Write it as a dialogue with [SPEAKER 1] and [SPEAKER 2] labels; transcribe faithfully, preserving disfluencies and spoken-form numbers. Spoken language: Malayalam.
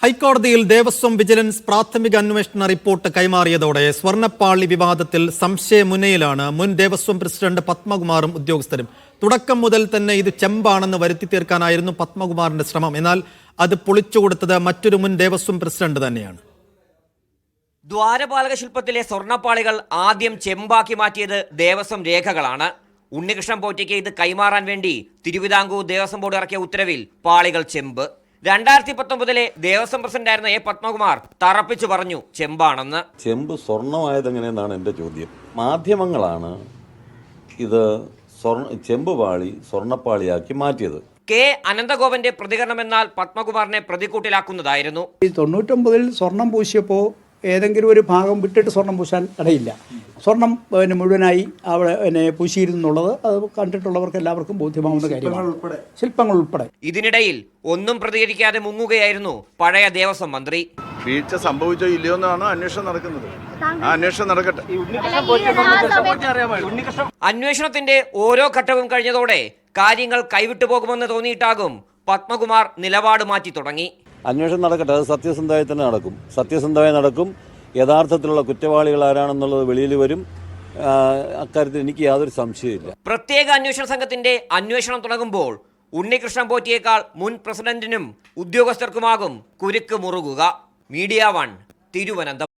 [SPEAKER 1] ഹൈക്കോടതിയിൽ ദേവസ്വം വിജിലൻസ് പ്രാഥമിക അന്വേഷണ റിപ്പോർട്ട് കൈമാറിയതോടെ സ്വർണ്ണപ്പാളി വിവാദത്തിൽ സംശയമുനയിലാണ് മുൻ ദേവസ്വം പ്രസിഡന്റ് പത്മകുമാറും ഉദ്യോഗസ്ഥരും. തുടക്കം മുതൽ തന്നെ ഇത് ചെമ്പാണെന്ന് വരുത്തി തീർക്കാനായിരുന്നു പത്മകുമാറിന്റെ ശ്രമം. എന്നാൽ അത് പൊളിച്ചുകൊടുത്തത് മറ്റൊരു മുൻ ദേവസ്വം പ്രസിഡന്റ് തന്നെയാണ്.
[SPEAKER 2] ദ്വാരപാലക ശില്പത്തിലെ സ്വർണ്ണപ്പാളികൾ ആദ്യം ചെമ്പാക്കി മാറ്റിയത് ദേവസ്വം രേഖകളാണ്. ഉണ്ണികൃഷ്ണൻ പോറ്റിക്ക് ഇത് കൈമാറാൻ വേണ്ടി തിരുവിതാംകൂർ ദേവസ്വം ബോർഡ് ഇറക്കിയ ഉത്തരവിൽ പാളികൾ ചെമ്പ്. രണ്ടായിരത്തി പത്തൊമ്പതിലെ ദേവസ്വം പ്രസിഡന്റായിരുന്ന എ പത്മകുമാർ തറപ്പിച്ചു പറഞ്ഞു ചെമ്പാണെന്ന്.
[SPEAKER 3] ചെമ്പ് സ്വർണ്ണമായത് എങ്ങനെയെന്നാണ് എൻ്റെ ചോദ്യം. മാധ്യമങ്ങളാണ് ഇത് സ്വർണ്ണ ചെമ്പ് പാളി സ്വർണ്ണപ്പാളിയാക്കി മാറ്റിയത്.
[SPEAKER 2] കെ അനന്തഗോപന്റെ പ്രതികരണം എന്നാൽ പത്മകുമാറിനെ പ്രതിക്കൂട്ടിലാക്കുന്നതായിരുന്നു.
[SPEAKER 4] തൊണ്ണൂറ്റൊമ്പതിൽ സ്വർണം പൂശിയപ്പോൾ ഏതെങ്കിലും ഒരു ഭാഗം വിട്ടിട്ട് സ്വർണം പൂശാൻ ഇടയില്ല. സ്വർണം പിന്നെ മുഴുവനായി അവിടെ പിന്നെ പൂശിയിരുന്നുള്ളത് അത് കണ്ടിട്ടുള്ളവർക്ക് എല്ലാവർക്കും ബോധ്യമാവുന്ന കാര്യമാണ്, ശില്പങ്ങൾ ഉൾപ്പെടെ.
[SPEAKER 2] ഇതിനിടയിൽ ഒന്നും പ്രതികരിക്കാതെ മുങ്ങുകയായിരുന്നു പഴയ ദേവസ്വം മന്ത്രി.
[SPEAKER 5] വീഴ്ച സംഭവിച്ചോ ഇല്ലയോ എന്നാണ് അന്വേഷണം നടക്കുന്നത്. ആ അന്വേഷണം നടക്കട്ടെ.
[SPEAKER 2] അന്വേഷണത്തിന്റെ ഓരോ ഘട്ടവും കഴിഞ്ഞതോടെ കാര്യങ്ങൾ കൈവിട്ടു പോകുമെന്ന് തോന്നിയിട്ടാകും പത്മകുമാർ നിലപാട് മാറ്റി തുടങ്ങി.
[SPEAKER 3] അന്വേഷണം നടക്കട്ടെ, അത് സത്യസന്ധമായി തന്നെ നടക്കും. സത്യസന്ധമായി നടക്കും. യഥാർത്ഥത്തിലുള്ള കുറ്റവാളികൾ ആരാണെന്നുള്ളത് വെളിയിൽ വരും. അക്കാര്യത്തിൽ എനിക്ക് യാതൊരു സംശയമില്ല.
[SPEAKER 2] പ്രത്യേക അന്വേഷണ സംഘത്തിന്റെ അന്വേഷണം തുടങ്ങുമ്പോൾ ഉണ്ണികൃഷ്ണൻ പോറ്റിയേക്കാൾ മുൻ പ്രസിഡന്റിനും ഉദ്യോഗസ്ഥർക്കുമാകും കുരുക്ക് മുറുകുക. Media one, Thiruvananthapuram.